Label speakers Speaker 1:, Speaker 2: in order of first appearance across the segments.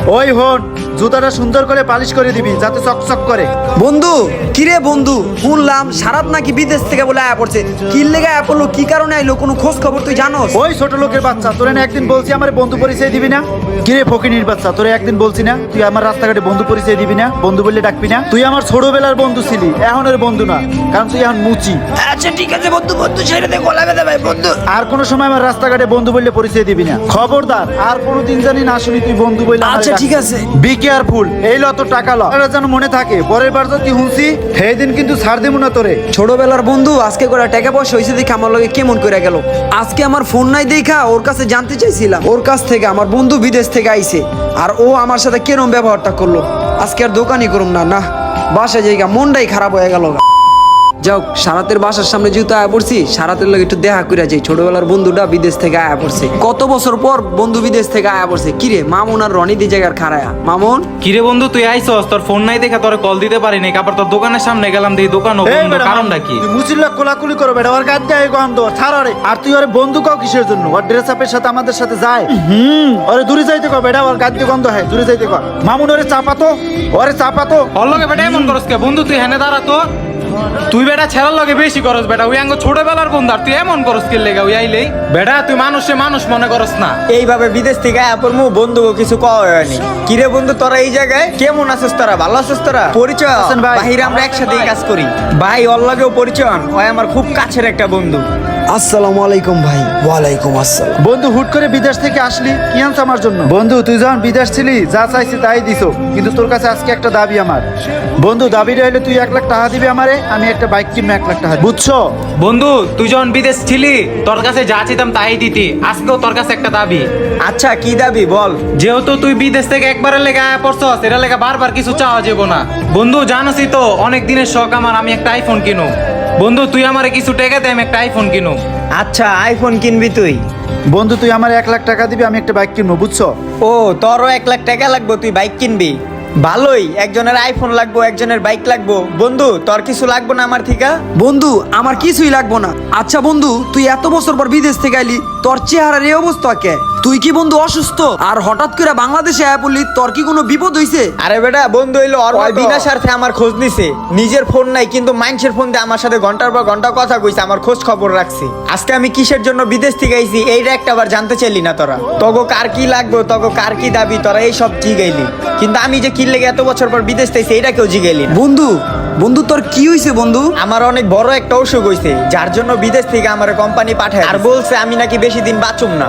Speaker 1: ওই হন, জুতাটা সুন্দর করে পালিশ করে দিবি যাতে চকচক করে।
Speaker 2: বন্ধু কিরে বন্ধু, শুনলাম সারাত নাকি বিদেশ থেকে বলে আয়া পড়ছে। কি লেগে আয়া পড়লো, কি কারণে আইলো, কোনো খোঁজ খবর তুই জানোস?
Speaker 1: ওই ছোট লোকের বাচ্চা, তোরে না একদিন বলছি আমার বন্ধু পরিচয় দিবি না? কিরে ফকিনির বাচ্চা, তোরে একদিন বলছি না তুই আমার রাস্তাঘাটে বন্ধু পরিচয় দিবি না, বন্ধু বললে ডাকবি না? তুই আমার ছোটবেলার বন্ধু ছিলি, এখন এর বন্ধু না, কারণ তুই এখন মুচি।
Speaker 2: আচ্ছা ঠিক আছে বন্ধু, বন্ধু ছেড়ে দে, গলা বেঁধে ভাই বন্ধু।
Speaker 1: আর কোনো সময় আমার রাস্তাঘাটে বন্ধু বললে পরিচয় দিবি না, খবরদার। আর কোনোদিন জানি না শুনি তুই বন্ধু বললে।
Speaker 2: আচ্ছা ঠিক আছে।
Speaker 1: বি কেয়ারফুল, এই ল তোর টাকা ল, এটা যেন মনে থাকে। পরের বার যদি হুঁসি সেই দিন কিন্তু ছাড় দেবো না তোরে।
Speaker 2: ছোটবেলার বন্ধু আজকে করে টাকা পয়সা হয়েছে দেখে আমার লগে কেমন করে গেল। আজকে আমার ফোন নাই দেখা ওর কাছে জানতে চাইছিলাম, ওর কাছ থেকে আমার বন্ধু বিদেশ থেকে আইছে, আর ও আমার সাথে কেরম ব্যবহারটা করলো। আজকে আর দোকানই করুম না, না বাসায় জায়গা, মনটাই খারাপ হয়ে গেল। যাও, সারাতের বাসার সামনে যেহেতু আয়া পড়ছি, সারাতের লগে একটু দেখা করে যাই। ছোটবেলার বন্ধুটা বিদেশ থেকে আয়া পড়ছে, কত বছর পর বন্ধু বিদেশ থেকে আয়া পড়ছে। কিরে মামুন আর রনি দি জায়গার খারায়া। মামুন
Speaker 3: কিরে বন্ধু, তুই আইছস? তোর ফোন নাই দেখা তোর কল দিতে পারি নাই। আবার তোর দোকানের সামনে গেলাম, দেখি দোকান বন্ধ। কারণটা কি?
Speaker 1: তুই মুচিল্লা কোলাকুলি করো বেটা, ওর গাছ যায় গন্ধ ছাড় রে। আর তুই ওর বন্ধু কাও কিসের জন্য? ওর ড্রেস আপের সাথে আমাদের সাথে যায়। ওরে দূরে যাইতে কর বেটা, ওর গাছ দিয়ে গন্ধ হয়, দূরে যাইতে কর। মামুন ওরে চাপাতো, ওরে চাপাতো।
Speaker 3: ওর লগে বেটা এমন করস কে? বন্ধু তুই হেনে দাঁড়া তো। তুই বেটা ছেড়ার লগে বেশি করস বেটা, ওই আঙ্গ ছোটবেলার বন্ধু, আর তুই এমন করস কি লেগা? ওই আইলেই বেটা তুই মানুষে মানুষ মনে করস না।
Speaker 4: এইভাবে বিদেশ থেকে আয়া পড়মু, বন্ধু কিছু কওয়া হয়নি। কিরে বন্ধু তোরা এই জায়গায় কেমন আছিস? তোরা ভালো আছিস? তোরা পরিচয়
Speaker 1: আছেন ভাই?
Speaker 4: বাহিরে আমরা একসাথে কাজ করি ভাই, ওর লাগেও পরিচয় হন। ওই আমার খুব কাছের একটা বন্ধু।
Speaker 2: আসসালামু আলাইকুম ভাই। ওয়ালাইকুম আসসালাম।
Speaker 1: বন্ধু হুট করে বিদেশ থেকে আসলি, কি আনছ আমার জন্য? বন্ধু তুই যখন বিদেশ ছিলি যা চাইছি তাই দিছো, কিন্তু তোর কাছে আজকে একটা দাবি আমার। বন্ধু দাবিটা হইলে তুই 1 লাখ টাকা দিবি আমারে, আমি একটা বাইক কিনবো 1 লাখ টাকা, বুঝছো?
Speaker 3: বন্ধু তুই যখন বিদেশ ছিলি তোর কাছে যা চাইতাম তাই দিতি, আজকেও তোর কাছে একটা দাবি।
Speaker 4: আচ্ছা কি দাবি বল?
Speaker 3: যেহেতু তুই বিদেশ থেকে একবারের লেগে আয়া পড়ছস, এটা লেগে বারবার কিছু চাওয়া যাবো না। বন্ধু জানোসই তো অনেক দিনের শখ আমার, আমি একটা আইফোন কিনু। বন্ধু তুই আমারে কিছু টাকা দে, আমি একটা আইফোন কিনু।
Speaker 4: আচ্ছা আইফোন কিনবি তুই?
Speaker 1: বন্ধু তুই আমার 1 লাখ টাকা দিবি, আমি একটা বাইক কিনবো, বুঝছো?
Speaker 4: ও তোরও 1 লাখ টাকা লাগবে, তুই বাইক কিনবি? ভালোই, একজনের আইফোন লাগবো, একজনের বাইক লাগবো। বন্ধু তোর কিছু লাগবো না আমার থেকে?
Speaker 2: বন্ধু আমার কিছুই লাগবো না। আচ্ছা বন্ধু, তুই এত বছর পর বিদেশ থেকে আইলি, তোর চেহারার এই অবস্থা কে? তুই কি বন্ধু অসুস্থ? আর হঠাৎ করে বাংলাদেশে আয়া পড়লি, তোর কি কোনো বিপদ হইছে?
Speaker 4: আরে বেটা বন্ধু হইলো বিনা স্বার্থে আমার খোঁজ নিছে। নিজের ফোন নাই কিন্তু মানুষের ফোন দিয়ে আমার সাথে ঘন্টার পর ঘন্টা কথা কইছে, আমার খোঁজ খবর রাখছি। আজকে আমি কিসের জন্য বিদেশ থেকে আইছি এইটা একটা বার জানতে চাইলি না তোরা? তগো কার কি লাগবে, তগো কার কি দাবি, তোরা এই সব জিগাইলি। কিন্তু আমি যে কি লেগে এত বছর পর বিদেশ থেকে এইটা কেউ জিগাইলি না।
Speaker 2: বন্ধু বন্ধু তোর কি হইছে বন্ধু?
Speaker 4: আমার অনেক বড় একটা অসুখ হইছে, যার জন্য বিদেশ থেকে আমার কোম্পানি পাঠায়, আর বলছে আমি নাকি বেশি দিন বাঁচুম না।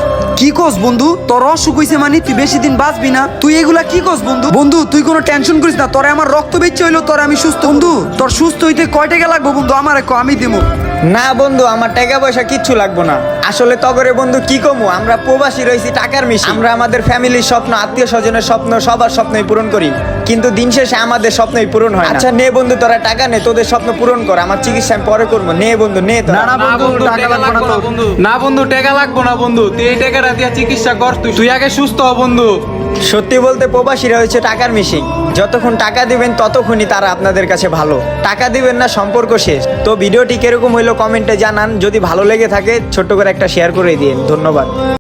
Speaker 2: কি কস বন্ধু? তোর অসুখ হইছে মানে তুই বেশি দিন বাঁচবি না? তুই এগুলা কি কস বন্ধু? বন্ধু তুই কোনো টেনশন করিস না, তোরে আমার রক্ত বেচে হইলো, তোর আমি সুস্থ। বন্ধু তোর সুস্থ হইতে কয় টাকা লাগবে বন্ধু? আমার আমি দেবো।
Speaker 4: না বন্ধু আমার টাকা পয়সা কিচ্ছু লাগবো না। আসলে তগরে বন্ধু কি কমু, আমরা প্রবাসী রয়েছি টাকার মিশি। আমরা আমাদের ফ্যামিলির স্বপ্ন, আত্মীয় স্বজনের স্বপ্ন, সবার স্বপ্নই পূরণ করি, কিন্তু দিন শেষে আমাদের স্বপ্নই পূরণ হয় না। আচ্ছা নে বন্ধু তোরা টাকা নে, তোদের স্বপ্ন পূরণ কর, আমার চিকিৎসা আমি পরে করবো। নে বন্ধু নে তোরা।
Speaker 1: না বন্ধু টাকা লাগবে না তোর।
Speaker 3: না বন্ধু টাকা লাগবো না বন্ধু, তুই এই টাকাটা দিয়ে চিকিৎসা কর। তুই আগে সুস্থ হ বন্ধু।
Speaker 4: সত্যি বলতে প্রবাসীরা হচ্ছে টাকার মিশিং। যতক্ষণ টাকা দিবেন ততক্ষণই তারা আপনাদের কাছে ভালো, টাকা দিবেন না সম্পর্ক শেষ। তো ভিডিওটি কিরকম হইলো কমেন্টে জানান, যদি ভালো লেগে থাকে ছোট্ট করে একটা শেয়ার করে দিন। ধন্যবাদ।